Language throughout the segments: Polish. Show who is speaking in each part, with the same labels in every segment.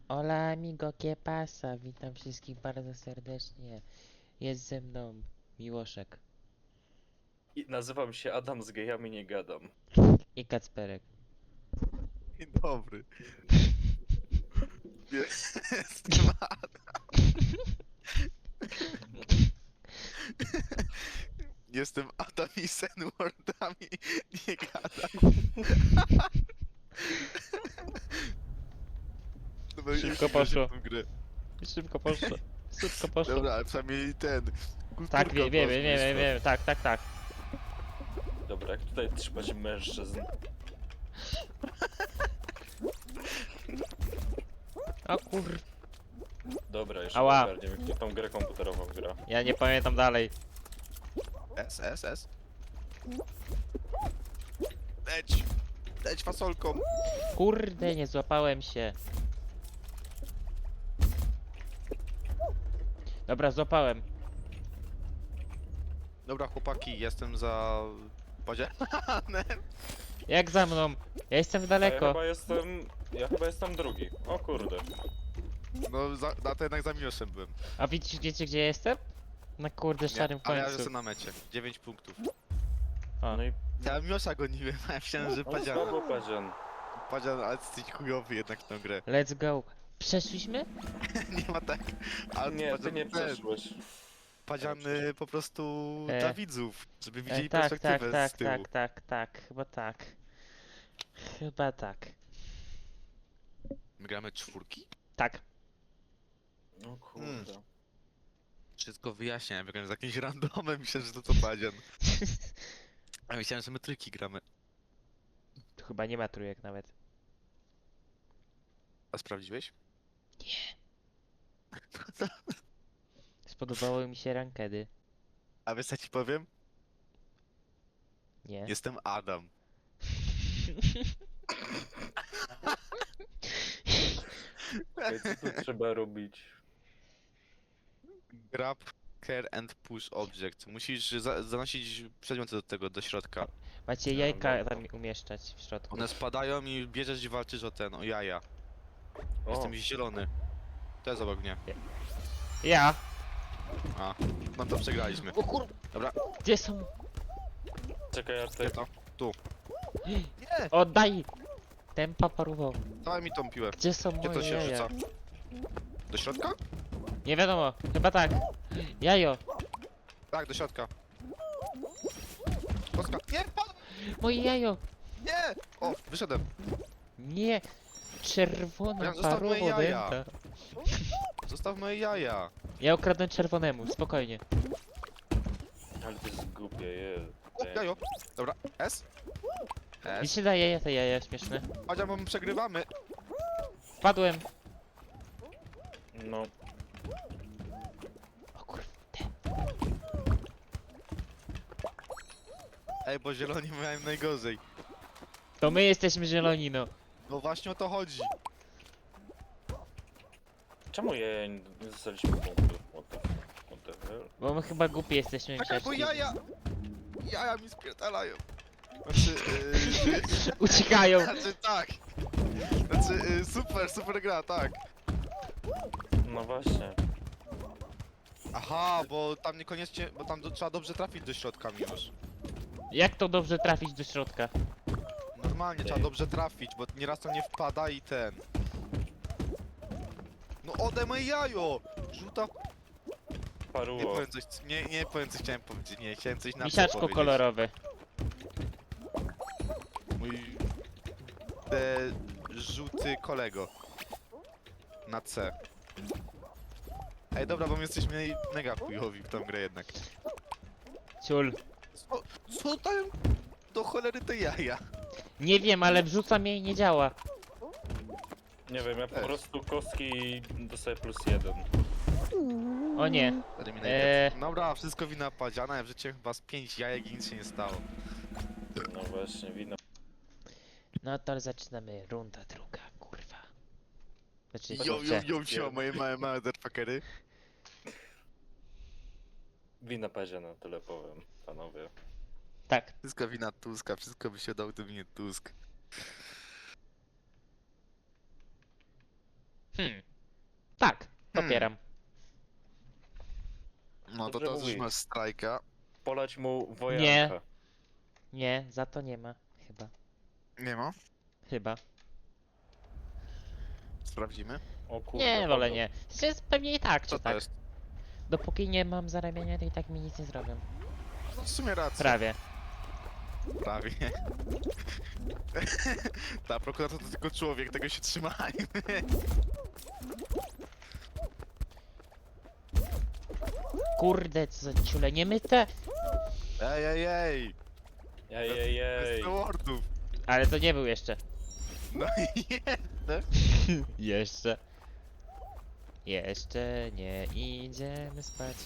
Speaker 1: Hola amigo, ¿qué pasa? Witam wszystkich bardzo serdecznie. Jest ze mną Miłoszek
Speaker 2: I nazywam się Adam, z gejami nie gadam.
Speaker 1: i Kacperek.
Speaker 3: Dzień dobry. Jestem Jestem Adam i Senwordami nie gadam. Dobra, już
Speaker 1: Szybko
Speaker 3: nie wierzę
Speaker 1: poszło.
Speaker 3: w tą grę.
Speaker 1: Szybko poszło. Szybko poszło.
Speaker 3: Dobra, ale przynajmniej ten.
Speaker 1: Tak,
Speaker 3: Kulturka
Speaker 1: wiemy,
Speaker 3: była z
Speaker 1: wiemy,
Speaker 3: mojej
Speaker 1: wiemy,
Speaker 3: strony.
Speaker 1: wiemy. Tak, tak, tak.
Speaker 2: Dobra, jak tutaj trzymać mężczyzn?
Speaker 1: O kur...
Speaker 2: Dobra, jeszcze
Speaker 1: Ała.
Speaker 2: ogarniemy, kto tą grę komputerową gra.
Speaker 1: Ja nie pamiętam dalej.
Speaker 3: S. Leć! Leć fasolką!
Speaker 1: Kurde, nie złapałem się. Dobra, złapałem.
Speaker 3: Dobra chłopaki, jestem za... Podzielanem.
Speaker 1: Jak za mną? Ja jestem
Speaker 2: A ja
Speaker 1: daleko.
Speaker 2: chyba jestem drugi. O kurde.
Speaker 3: No, to jednak za Miłoszem byłem.
Speaker 1: A wiecie gdzie jestem? Na kurde szarym
Speaker 3: ale ja
Speaker 1: końcu.
Speaker 3: jestem na mecie. 9 punktów.
Speaker 1: O.
Speaker 2: No i
Speaker 3: Ja Miłosza goniłem, a ja myślałem, że
Speaker 2: no,
Speaker 3: Padzian...
Speaker 2: słabo Padzian.
Speaker 3: Padzian, ale jesteś chujowy jednak w tą grę.
Speaker 1: Let's go. Przeszliśmy?
Speaker 3: Nie ma tak. Ale
Speaker 2: Nie, ty nie przeszłeś.
Speaker 3: Padziany po prostu dla widzów, żeby widzieli
Speaker 1: Tak, tak,
Speaker 3: perspektywę
Speaker 1: tak,
Speaker 3: z tyłu.
Speaker 1: tak, tak, tak, chyba tak. Chyba tak.
Speaker 3: My gramy czwórki?
Speaker 1: Tak.
Speaker 2: No kurde.
Speaker 3: Wszystko wyjaśniam, wygrałem z jakimś randomem, myślałem, że to Padzian. A myślałem, że my trójki gramy.
Speaker 1: Tu chyba nie ma trójek nawet.
Speaker 3: A sprawdziłeś?
Speaker 1: Spodobały mi się rankedy.
Speaker 3: A wiesz co ci powiem?
Speaker 1: Nie.
Speaker 3: Jestem Adam.
Speaker 2: Ej, co tu trzeba robić?
Speaker 3: Grab, care and push object. Musisz zanosić przedmioty do tego, do środka.
Speaker 1: Macie
Speaker 2: No,
Speaker 1: jajka
Speaker 2: dobra.
Speaker 1: tam umieszczać w środku.
Speaker 3: One spadają i bierzesz i walczysz o jaja.
Speaker 2: O,
Speaker 3: Jestem zielony. To jest obok mnie.
Speaker 1: Ja!
Speaker 3: A, no to przegraliśmy.
Speaker 1: O kur...
Speaker 3: Dobra.
Speaker 1: Gdzie są?
Speaker 2: czekaj, ja tutaj...
Speaker 3: Gdzie to? Tu. Nie!
Speaker 1: Oddaj! Tempa paruwał.
Speaker 3: Dawaj mi tą piłę.
Speaker 1: Gdzie są
Speaker 3: Gdzie to
Speaker 1: moje
Speaker 3: się
Speaker 1: jaja?
Speaker 3: rzuca? Do środka?
Speaker 1: Nie wiadomo, chyba tak. Jajo!
Speaker 3: Tak, do środka. Kostka. Nie, padł!
Speaker 1: Moje jajo!
Speaker 3: Nie! O, wyszedłem.
Speaker 1: Nie! Czerwona
Speaker 3: Ja zostaw moje
Speaker 1: paruwo
Speaker 3: jaja.
Speaker 1: dęta.
Speaker 3: Zostaw moje jaja.
Speaker 1: Ja ukradłem czerwonemu, spokojnie.
Speaker 2: Ale to jest głupie, je.
Speaker 3: O, jajo. Dobra, S.
Speaker 1: Mi
Speaker 3: S.
Speaker 1: się daje jaja, te jaja śmieszne.
Speaker 3: Padzia, bo my przegrywamy.
Speaker 1: Wpadłem!
Speaker 2: No,
Speaker 1: O kurde.
Speaker 3: Ej, bo zieloni miałem najgorzej.
Speaker 1: To my jesteśmy zieloni, no.
Speaker 3: No właśnie o to chodzi.
Speaker 2: czemu nie dostaliśmy punktów? What the hell?
Speaker 1: Bo my chyba głupi jesteśmy
Speaker 3: Czekaj, bo
Speaker 1: grzeczni.
Speaker 3: jaja. Jaja mi spierdalają. Znaczy,
Speaker 1: Uciekają!
Speaker 3: znaczy tak. Znaczy, super gra, tak.
Speaker 2: No właśnie.
Speaker 3: Aha, bo tam niekoniecznie, bo tam trzeba dobrze trafić do środka już.
Speaker 1: Jak to dobrze trafić do środka?
Speaker 3: Normalnie trzeba dobrze trafić, bo nieraz to nie wpada i ten. No ode moje jajo! Żółta... Nie
Speaker 2: Paruło.
Speaker 3: powiem coś, nie powiem co chciałem powiedzieć, nie, chciałem coś na
Speaker 1: Misiaczko
Speaker 3: powiedzieć.
Speaker 1: kolorowy.
Speaker 3: Mój... żółty kolego. Na C. Ej, dobra, bo my jesteśmy mega chujowi w tą grę jednak.
Speaker 1: Ciul.
Speaker 3: Co tam do cholery te jaja?
Speaker 1: Nie wiem, ale wrzucam jej i nie działa.
Speaker 2: Nie wiem, ja po
Speaker 3: Też.
Speaker 2: prostu kostki dostaję +1.
Speaker 1: O nie.
Speaker 3: Eliminated. Dobra, wszystko wina Padziana, ja wrzuciłem chyba z 5 jajek i nic się nie stało.
Speaker 2: No właśnie, wino.
Speaker 1: No to zaczynamy. Runda druga, kurwa. Znaczy,
Speaker 3: Yo, moje małe motherfuckery.
Speaker 2: Wina Paziana, tyle powiem, panowie.
Speaker 1: Tak.
Speaker 3: Wszystko wina Tuska, wszystko by się dał, gdyby nie Tusk.
Speaker 1: Tak, popieram.
Speaker 3: No to
Speaker 2: Dobrze
Speaker 3: teraz już
Speaker 2: mówi.
Speaker 3: masz strajka.
Speaker 2: Poleć mu wojanka.
Speaker 1: Nie, za to nie ma. Chyba.
Speaker 3: Nie ma?
Speaker 1: Chyba.
Speaker 3: Sprawdzimy.
Speaker 2: O kurde,
Speaker 1: Nie, wolę
Speaker 2: padł.
Speaker 1: nie. Jest pewnie i tak,
Speaker 3: Co
Speaker 1: czy
Speaker 3: to
Speaker 1: tak.
Speaker 3: jest?
Speaker 1: Dopóki nie mam zarabiania, to i tak mi nic nie zrobią.
Speaker 3: No w sumie racja.
Speaker 1: Prawie.
Speaker 3: Prawie. Ta prokurator to tylko człowiek, tego się trzymajmy.
Speaker 1: Kurde, co za ciule, nie myte!
Speaker 3: Ej, ej, ej!
Speaker 2: Ej, ej, ej.
Speaker 3: Bez wordów.
Speaker 1: Ale to nie był jeszcze.
Speaker 3: No i jedne.
Speaker 1: Jeszcze. Jeszcze nie idziemy spać.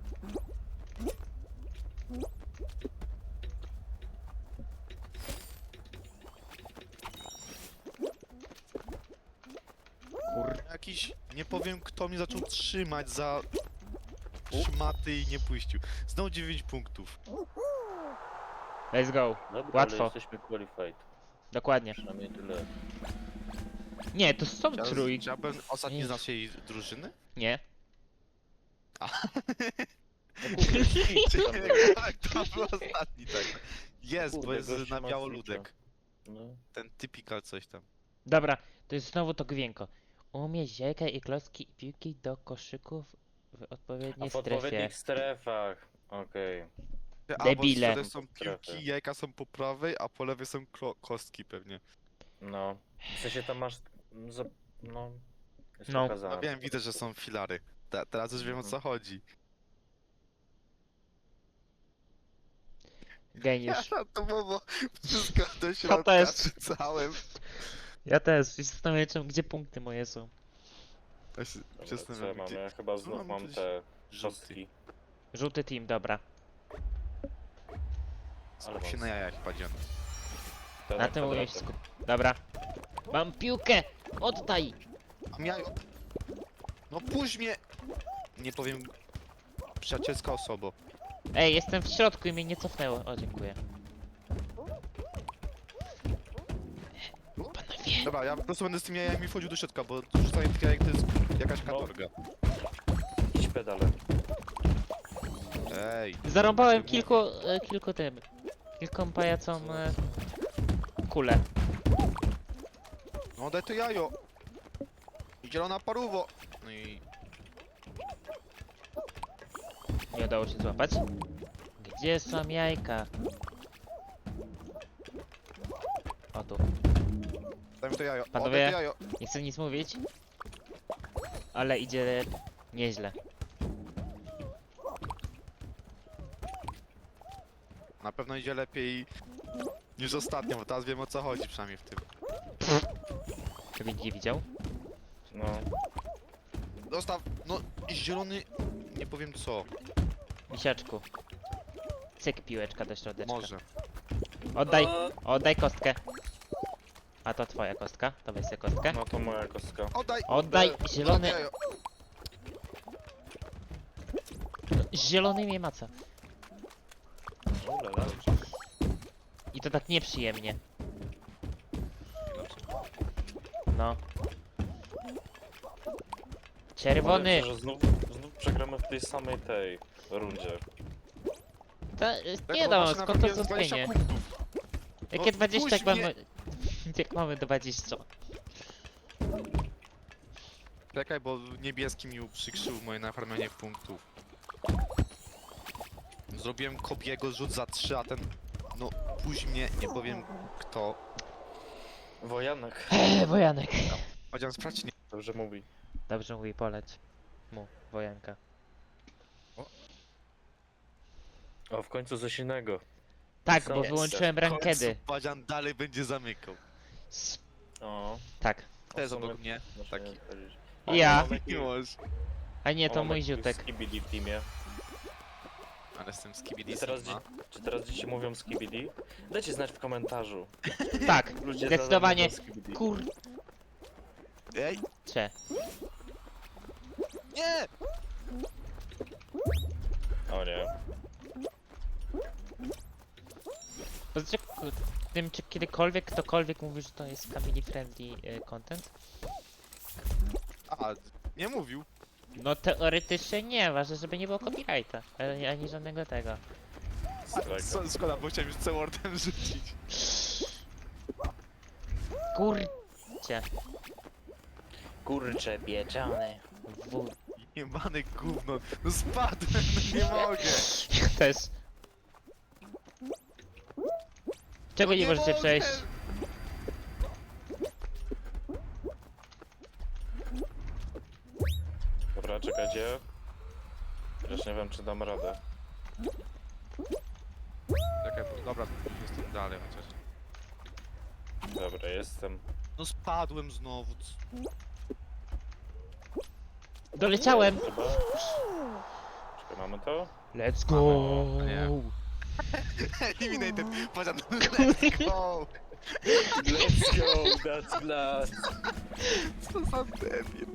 Speaker 3: Jakiś, nie powiem kto mnie zaczął trzymać za szmaty i nie puścił. Znowu 9 punktów.
Speaker 1: Let's go.
Speaker 2: Dobra,
Speaker 1: Łatwo.
Speaker 2: ale jesteśmy qualified.
Speaker 1: Dokładnie.
Speaker 2: Przynajmniej tyle.
Speaker 1: Nie, to są trójki.
Speaker 3: Chciałbym ostatni
Speaker 1: Nie.
Speaker 3: z naszej drużyny?
Speaker 1: Nie.
Speaker 2: No kurde, świt tam był.
Speaker 3: Tak, to był ostatni, tak. Jest, bo
Speaker 2: Kurde,
Speaker 3: jest
Speaker 2: gościu
Speaker 3: na
Speaker 2: ma
Speaker 3: biało
Speaker 2: switcha.
Speaker 3: ludek.
Speaker 2: No.
Speaker 3: Ten typical coś tam.
Speaker 1: Dobra, to jest znowu to gwienko. Umieść jajka i klocki i piłki do koszyków w
Speaker 2: A
Speaker 1: odpowiedniej
Speaker 2: w
Speaker 1: strefie.
Speaker 2: odpowiednich strefach. Okej.
Speaker 1: Debile.
Speaker 3: A, bo z są
Speaker 2: Strefy.
Speaker 3: piłki, jajka są po prawej, a po lewej są kostki pewnie.
Speaker 2: No. W sensie tam masz... No. Jest
Speaker 1: No.
Speaker 2: pokazane.
Speaker 3: No wiem, widzę, że są filary. Teraz już wiem o co chodzi.
Speaker 1: Geniusz.
Speaker 3: To było wszystko do środka
Speaker 1: też.
Speaker 3: rzucałem.
Speaker 1: Ja też. I zastanawiam się, gdzie punkty moje są.
Speaker 3: Ja się
Speaker 2: Dobra,
Speaker 3: zastanawiam,
Speaker 2: co ja mam?
Speaker 3: gdzie-
Speaker 2: Ja chyba znów
Speaker 3: mam
Speaker 2: mam
Speaker 3: coś-
Speaker 2: te
Speaker 3: żółty.
Speaker 2: kostki.
Speaker 1: Żółty team, dobra.
Speaker 2: Ale
Speaker 3: Skup się
Speaker 2: mam
Speaker 3: na jajach, padziony.
Speaker 2: te
Speaker 1: Na tym umiem się
Speaker 2: kwadraty.
Speaker 1: skupić. Dobra. Mam piłkę! Oddaj!
Speaker 3: Mam jajo. No puść mnie! Nie powiem... Przyjacielska osoba.
Speaker 1: Ej, jestem w środku i mnie nie cofnęło. O, dziękuję. Panowie.
Speaker 3: Dobra, ja po prostu będę z tymi jajami wchodził do środka, bo rzucanie tych jajek to jest jakaś katorga.
Speaker 2: Idź pedale.
Speaker 3: Ej.
Speaker 1: Zarąbałem kilku tym. Kilkom pajacom kulę.
Speaker 3: No daj to jajo! Zielona paruwo! No i...
Speaker 1: Nie udało się złapać. Gdzie są jajka? O tu.
Speaker 3: Daj mi to jajo.
Speaker 1: Panowie.
Speaker 3: O, daj to jajo!
Speaker 1: Nie chcę nic mówić. Ale idzie nieźle.
Speaker 3: Na pewno idzie lepiej niż ostatnio, bo teraz wiem o co chodzi przynajmniej w tym.
Speaker 1: Żeby nikt nie widział.
Speaker 2: No.
Speaker 3: Dostaw! No i zielony... Nie powiem co.
Speaker 1: Misiaczku. Cyk piłeczka do środeczka.
Speaker 3: Może.
Speaker 1: Oddaj! Oddaj kostkę. A to twoja kostka. To weź sobie kostkę.
Speaker 2: No to moja kostka.
Speaker 3: Oddaj!
Speaker 1: Oddaj, zielony.
Speaker 3: jajo.
Speaker 1: Zielony mnie maca.
Speaker 2: Ulala.
Speaker 1: I to tak nieprzyjemnie. No. Czerwony!
Speaker 2: Obawiam się, że znów przegramy w tej samej tej rundzie.
Speaker 1: To,
Speaker 3: Tak,
Speaker 1: nie
Speaker 3: bo
Speaker 1: no,
Speaker 3: masz na
Speaker 1: skąd to
Speaker 3: pewno 20
Speaker 1: zwątpienie?
Speaker 3: punktów.
Speaker 1: Jakie
Speaker 3: No,
Speaker 1: 20 jak
Speaker 3: puść mnie.
Speaker 1: mamy... Jak mamy 20?
Speaker 3: Czekaj, bo niebieski mi uprzykrzył moje nafarmianie punktów. Zrobiłem Kobiego rzut za 3, a ten... No, puść mnie, nie powiem kto.
Speaker 2: Wojanek.
Speaker 1: Wojanek.
Speaker 3: Chodziłem sprawdź nie.
Speaker 2: Dobrze mówi.
Speaker 1: Dobrze mówi, poleć mu, wojanka.
Speaker 2: O, w końcu coś innego.
Speaker 1: Tak,
Speaker 2: Są
Speaker 1: bo
Speaker 2: jeszcze.
Speaker 1: wyłączyłem rankedy.
Speaker 3: Badzian dalej będzie zamykał.
Speaker 2: O.
Speaker 1: Tak.
Speaker 3: To jest
Speaker 2: o,
Speaker 3: obok mnie.
Speaker 2: muszę
Speaker 3: taki.
Speaker 2: nie odpowiedzieć.
Speaker 1: Ja.
Speaker 2: Mamy
Speaker 3: Nie możesz.
Speaker 1: A nie, to
Speaker 2: mamy
Speaker 1: mój
Speaker 2: jakiś
Speaker 1: ziutek.
Speaker 2: Skibidi w teamie.
Speaker 3: Ale z tym skibidi
Speaker 2: I teraz,
Speaker 3: Sigma.
Speaker 2: czy teraz dzieci mówią skibidi? Dajcie znać w komentarzu.
Speaker 1: Tak,
Speaker 2: Ludzie
Speaker 1: zdecydowanie.
Speaker 2: nadal mówią skibidi.
Speaker 1: Kurcze.
Speaker 3: Ej! Nie!
Speaker 2: O nie.
Speaker 1: Powiedzcie, tym czy kiedykolwiek ktokolwiek mówił, że to jest family friendly content?
Speaker 3: A, nie mówił.
Speaker 1: No teoretycznie nie, ważne, żeby nie było copyrighta, ani żadnego tego.
Speaker 2: Strajka.
Speaker 3: Szkoda, bo chciałem już C-wordem rzucić.
Speaker 1: Kurcie.
Speaker 2: Kurcze pieczone.
Speaker 3: Jebane gówno. No spadłem, no nie mogę.
Speaker 1: Ja też. Czego
Speaker 3: No
Speaker 1: nie możecie
Speaker 3: mogę.
Speaker 1: przejść?
Speaker 2: Dobra, czekajcie. Chociaż nie wiem, czy dam radę.
Speaker 3: Czekaj, dobra, jestem dalej chociaż.
Speaker 2: Dobra, jestem.
Speaker 3: No spadłem znowu.
Speaker 1: Doleciałem!
Speaker 2: Chyba. Czekaj, mamy to?
Speaker 1: Let's go!
Speaker 3: Mamy, nie. Eliminated, poziom, let's go!
Speaker 2: Let's go, that's glass.
Speaker 3: Co za debil.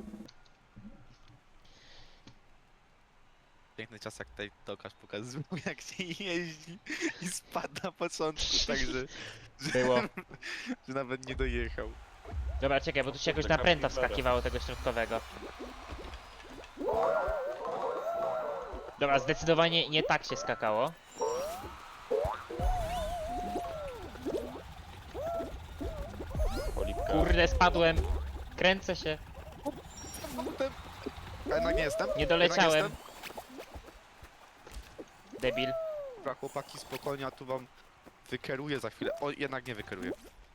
Speaker 3: Piękny czas jak tutaj Tokarz pokazywał jak się jeździ i spadł na początku, także...
Speaker 1: Było.
Speaker 3: Że nawet nie dojechał.
Speaker 1: Dobra, czekaj, bo tu się jakoś
Speaker 2: Taka
Speaker 1: napręta
Speaker 2: pipera.
Speaker 1: wskakiwało tego środkowego. Dobra, zdecydowanie nie tak się skakało.
Speaker 2: Polipka.
Speaker 1: Kurde, spadłem. Kręcę się.
Speaker 3: A jednak nie jestem.
Speaker 1: Nie doleciałem.
Speaker 3: Jednak jestem.
Speaker 1: Debil.
Speaker 3: Dobra, chłopaki, spokojnie, a tu wam wykeruję za chwilę. O, jednak nie wykeruję.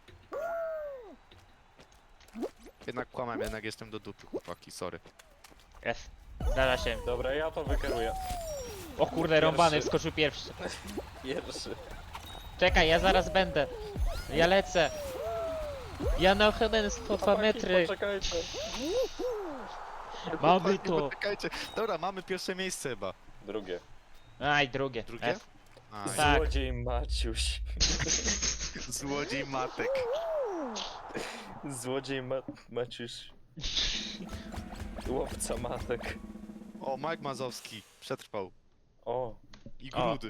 Speaker 3: Jednak kłamałem, jednak jestem do dupy, chłopaki, sorry.
Speaker 1: F. Zdarza się.
Speaker 2: Dobra, ja to wykeruję.
Speaker 1: O kurde, rąbany
Speaker 2: Pierwszy.
Speaker 1: wskoczył pierwszy.
Speaker 2: Pierwszy.
Speaker 1: Czekaj, ja zaraz będę. Ja lecę. Ja na ochronę 2
Speaker 2: Chłopaki,
Speaker 1: metry.
Speaker 2: Poczekajcie.
Speaker 1: Mamy
Speaker 3: Chłopaki,
Speaker 1: to.
Speaker 3: poczekajcie. Dobra, mamy pierwsze miejsce chyba.
Speaker 2: Drugie.
Speaker 1: Aj, drugie.
Speaker 3: Drugie?
Speaker 1: F.
Speaker 3: A,
Speaker 1: Tak.
Speaker 2: Złodziej Maciuś.
Speaker 3: Złodziej matek.
Speaker 2: Złodziej Maciuś. Łowca matek.
Speaker 3: O, Mike Mazowski przetrwał.
Speaker 2: O,
Speaker 3: I
Speaker 1: O.
Speaker 3: grudy.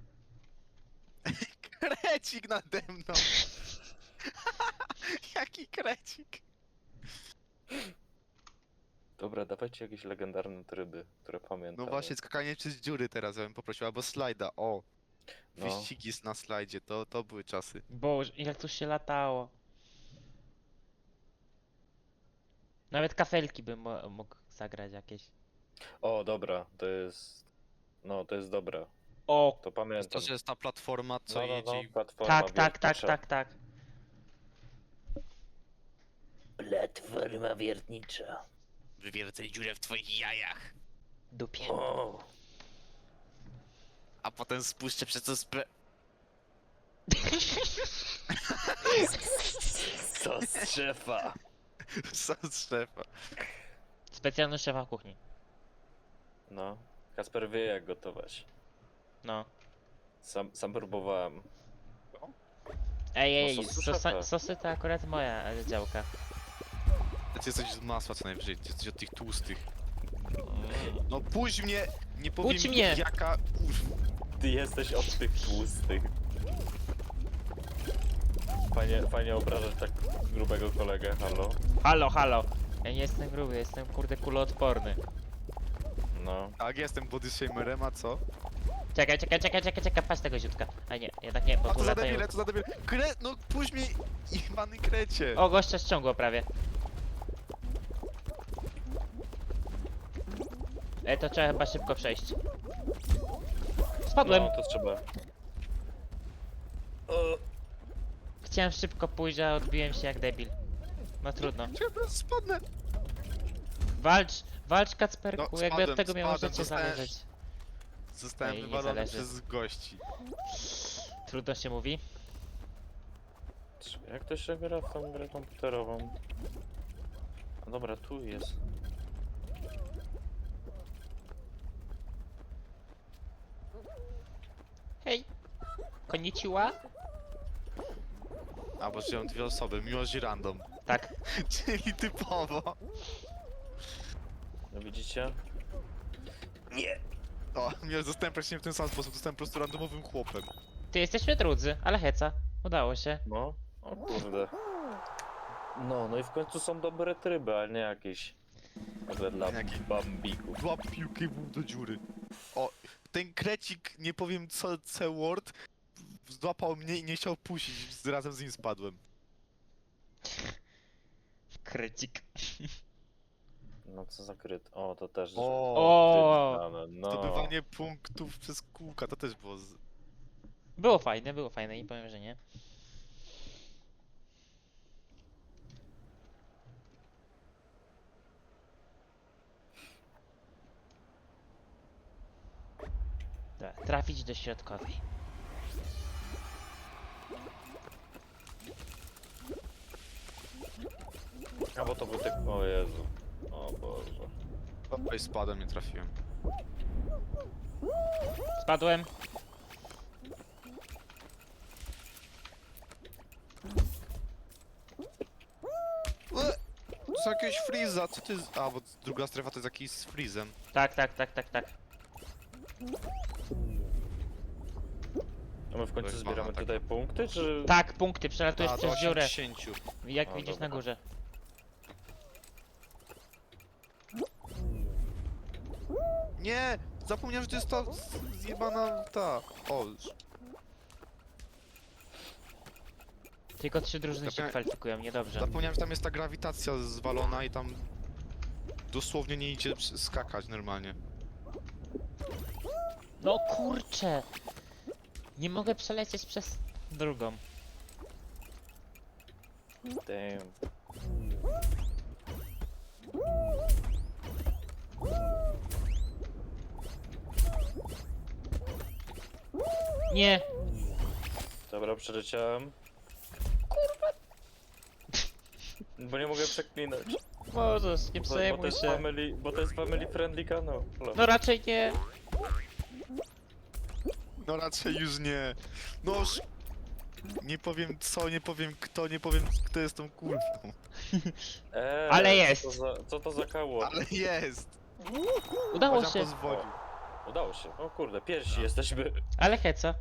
Speaker 3: Krecik nade mną. Jaki krecik.
Speaker 2: dobra, dawajcie jakieś legendarne tryby, które pamiętam.
Speaker 3: No właśnie, skakanie przez dziury teraz ja bym poprosił, albo slajda, o.
Speaker 2: No.
Speaker 3: Wyścigi na slajdzie, to były czasy.
Speaker 1: Boże, jak tu się latało. Nawet kafelki bym mógł zagrać jakieś.
Speaker 2: O, dobra, to jest... No, to jest dobra.
Speaker 1: O,
Speaker 2: To pamiętam.
Speaker 3: To, że jest ta platforma, co jedzie i...
Speaker 2: platforma
Speaker 1: tak, tak, tak,
Speaker 2: wiertnicza.
Speaker 1: tak, tak.
Speaker 2: Platforma wiertnicza.
Speaker 3: Wywiercę dziurę w twoich jajach.
Speaker 1: Dupie.
Speaker 2: O,
Speaker 3: A potem spuszczę przez to
Speaker 2: sos szefa.
Speaker 3: sos szefa.
Speaker 1: Specjalny szefa kuchni.
Speaker 2: No, Kasper wie jak gotować.
Speaker 1: No.
Speaker 2: Sam próbowałem.
Speaker 1: Ej,
Speaker 2: No, sosy szefa.
Speaker 1: sosy to akurat moja działka.
Speaker 3: Ty jesteś z masła co najwyżej, ty jesteś od tych tłustych. No puść mnie! Nie powiem
Speaker 1: Puść mnie!
Speaker 3: jaka... Kurwa.
Speaker 2: Ty jesteś od tych tłustych. Fajnie obrażać tak grubego kolegę, halo?
Speaker 1: Halo, halo. Ja nie jestem gruby, jestem kurde kuloodporny.
Speaker 2: No.
Speaker 3: Tak, jestem body shamerem, a co?
Speaker 1: Czekaj, patrz tego ziutka. A nie, jednak nie, bo
Speaker 3: A
Speaker 1: tu
Speaker 3: co za
Speaker 1: latają.
Speaker 3: debile, co za debile? No puść mnie, jebany krecie!
Speaker 1: O, gościa ściągło prawie. To trzeba chyba szybko przejść. Spadłem.
Speaker 2: No, to trzeba. O,
Speaker 1: Chciałem szybko pójść, a odbiłem się jak debil. No trudno.
Speaker 3: Czekaj, spadnę!
Speaker 1: Walcz Kacperku,
Speaker 3: No,
Speaker 1: jakby od
Speaker 3: spadłem,
Speaker 1: tego miało
Speaker 3: spadłem,
Speaker 1: życie
Speaker 3: dostałem-
Speaker 1: zależeć.
Speaker 3: Zostałem
Speaker 1: Ej, nie
Speaker 3: wywalony
Speaker 1: zależy.
Speaker 3: przez gości.
Speaker 1: Trudno się mówi.
Speaker 2: jak to się gra w tą grę komputerową? A dobra, tu jest.
Speaker 1: Hej! Konnichiwa?
Speaker 3: A, bo żyją dwie osoby, miłość i random.
Speaker 1: Tak.
Speaker 3: Czyli typowo.
Speaker 2: No widzicie? Nie!
Speaker 3: O, nie, zostałem praktycznie w ten sam sposób, zostałem po prostu randomowym chłopem.
Speaker 1: Ty jesteśmy drudzy, ale heca. Udało się.
Speaker 2: No, o kurde. No i w końcu są dobre tryby, ale nie jakieś Kurde, dla
Speaker 3: Jaki-
Speaker 2: bambików.
Speaker 3: Dwa piłki do dziury. O, ten krecik, nie powiem co C-word, złapał mnie i nie chciał puścić, razem z nim spadłem.
Speaker 1: Krycik.
Speaker 2: No co za kryt. O, to też.
Speaker 3: O,
Speaker 2: kryt znane, no.
Speaker 3: zdobywanie punktów przez kółka, to też było
Speaker 1: Było fajne, nie powiem, że nie. Dobra, trafić do środkowej.
Speaker 2: A bo to był tak. O Jezu. O Boże.
Speaker 3: Oj, spadłem, nie trafiłem.
Speaker 1: Spadłem.
Speaker 3: To są jakieś freeza, co ty... A, bo druga strefa to jest jakiś z freezem.
Speaker 1: Tak.
Speaker 2: A my w końcu
Speaker 3: To jest
Speaker 2: zbieramy
Speaker 3: mana, tak.
Speaker 2: tutaj punkty, czy.
Speaker 1: Tak, punkty, przelatujesz
Speaker 3: A, do
Speaker 1: przez dziurę.
Speaker 3: 80.
Speaker 1: Jak
Speaker 2: O,
Speaker 1: widzisz
Speaker 2: dobra.
Speaker 1: na górze.
Speaker 3: Nie! Zapomniałem, że to jest ta zjebana ta... O,
Speaker 1: Tylko 3 drużyny się
Speaker 3: Zapomnia-
Speaker 1: kwalifikują, niedobrze.
Speaker 3: zapomniałem, że tam jest ta grawitacja zwalona i tam... Dosłownie nie idzie skakać normalnie.
Speaker 1: No kurczę! Nie mogę przelecieć przez drugą.
Speaker 2: Damn.
Speaker 1: Nie!
Speaker 2: Dobra, przeleciałem. Kurwa! Bo nie mogę przeklinać.
Speaker 1: Możesz, nie
Speaker 2: Bo to
Speaker 1: przejmuj
Speaker 2: jest
Speaker 1: się.
Speaker 2: family, bo to jest family friendly kanał.
Speaker 1: No raczej nie.
Speaker 3: No raczej już nie. Noż... Nie powiem co, nie powiem kto, nie powiem kto jest tą kurwą.
Speaker 1: Ale jest.
Speaker 2: Co to za kało?
Speaker 3: Ale jest!
Speaker 1: Udało
Speaker 3: Chociaż
Speaker 1: się.
Speaker 3: pozwolił.
Speaker 2: Udało się. O kurde, pierwsi jesteśmy.
Speaker 1: Ale heca.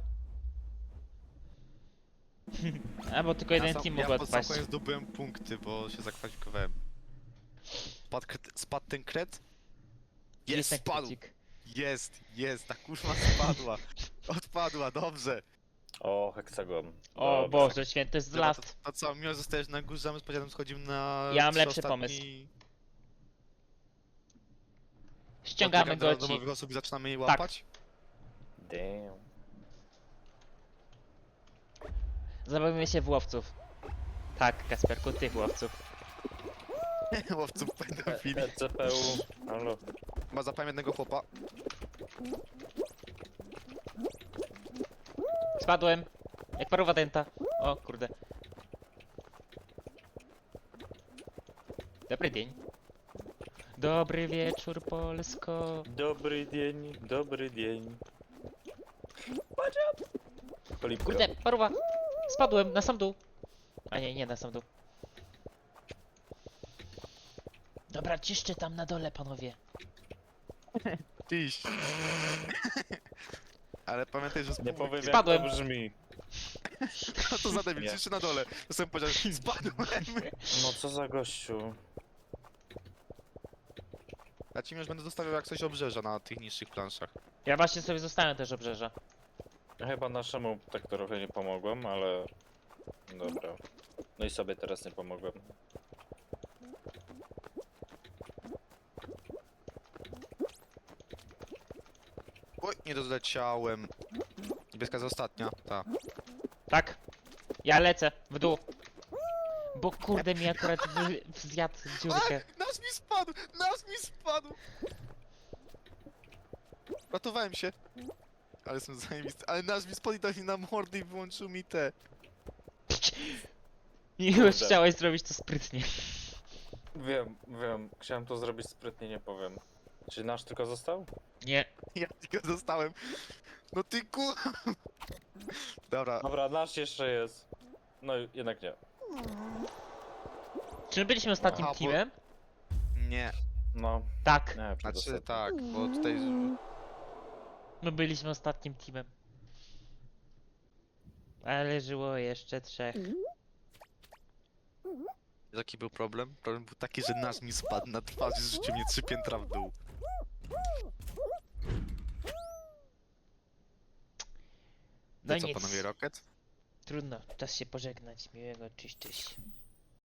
Speaker 1: A bo tylko jeden
Speaker 3: sam-
Speaker 1: team
Speaker 3: ja
Speaker 1: mógł
Speaker 3: pod sam
Speaker 1: odpaść.
Speaker 3: koniec zdobyłem punkty, bo się zakwalifikowałem. Spadł ten kret? Jest,
Speaker 1: ten
Speaker 3: spadł!
Speaker 1: krycik.
Speaker 3: Jest, ta kurwa spadła. Odpadła, dobrze.
Speaker 2: O, heksagon.
Speaker 1: O
Speaker 2: Dobra.
Speaker 1: Boże święty, jest
Speaker 3: Dobra,
Speaker 1: last.
Speaker 3: to co, miło zostajesz na górze, a my z podziałem schodzimy na...
Speaker 1: Ja mam
Speaker 3: trzy
Speaker 1: lepszy
Speaker 3: ostatni-
Speaker 1: pomysł. Ściągamy
Speaker 3: Odbiegam do
Speaker 1: go ci.
Speaker 3: nowych osób i zaczynamy je łapać?
Speaker 2: Damn.
Speaker 1: Zabawimy się w łowców. Tak, Kasperku, tych łowców.
Speaker 3: Łowców pedofili.
Speaker 2: CPU. Halo.
Speaker 3: Ma zapałem jednego chłopa.
Speaker 1: Spadłem. Jak paruwa denta. O kurde. Dobry dzień. Dobry wieczór, Polsko.
Speaker 2: Dobry dzień, dobry dzień. Padziad! Polipka.
Speaker 1: Kurde, paruwa. Spadłem na sam dół. A nie, nie na sam dół. Dobra, ciszcie tam na dole, panowie.
Speaker 3: Tyś. Ale pamiętaj, że
Speaker 2: Nie powiem jak
Speaker 1: Spadłem.
Speaker 2: to brzmi.
Speaker 3: No to za debil,
Speaker 2: Nie.
Speaker 3: ciszy na dole. To sobie powiedział, spadłem.
Speaker 2: No co za gościu.
Speaker 3: Ja ci już będę zostawiał jak coś obrzeża na tych niższych planszach.
Speaker 1: Ja właśnie sobie zostałem też obrzeża.
Speaker 2: Chyba naszemu tak trochę nie pomogłem, ale... Dobra. No i sobie teraz nie pomogłem.
Speaker 3: Oj, nie doleciałem. Niebieska jest ostatnia, ta.
Speaker 1: Tak. Ja lecę w dół. Bo kurde mi akurat zjadł dziurkę.
Speaker 3: Nasz mi spadł! Nasz mi spadł! Ratowałem się. Ale jestem zajebisty. Ale nasz mi spadł i dał mi na mordy i wyłączył mi te.
Speaker 1: I już chciałeś zrobić to sprytnie.
Speaker 2: Wiem. Chciałem to zrobić sprytnie, nie powiem. Czy nasz tylko został?
Speaker 1: Nie.
Speaker 3: Ja tylko zostałem. No ty ku... Dobra,
Speaker 2: Dobra, nasz jeszcze jest. No jednak nie.
Speaker 1: Czy my byliśmy ostatnim
Speaker 3: Aha, bo-
Speaker 1: teamem?
Speaker 3: nie.
Speaker 2: No,
Speaker 1: Tak.
Speaker 2: nie,
Speaker 3: Znaczy
Speaker 2: przedostatni.
Speaker 3: tak, bo tutaj...
Speaker 1: My byliśmy ostatnim teamem. Ale żyło jeszcze 3.
Speaker 3: Jaki był problem? Problem był taki, że nasz mi spadł na twarz i zrzucił mnie 3 piętra w dół.
Speaker 1: No
Speaker 3: To co,
Speaker 1: nic,
Speaker 3: panowie Rocket?
Speaker 1: trudno, czas się pożegnać. Miłego, cześć, cześć.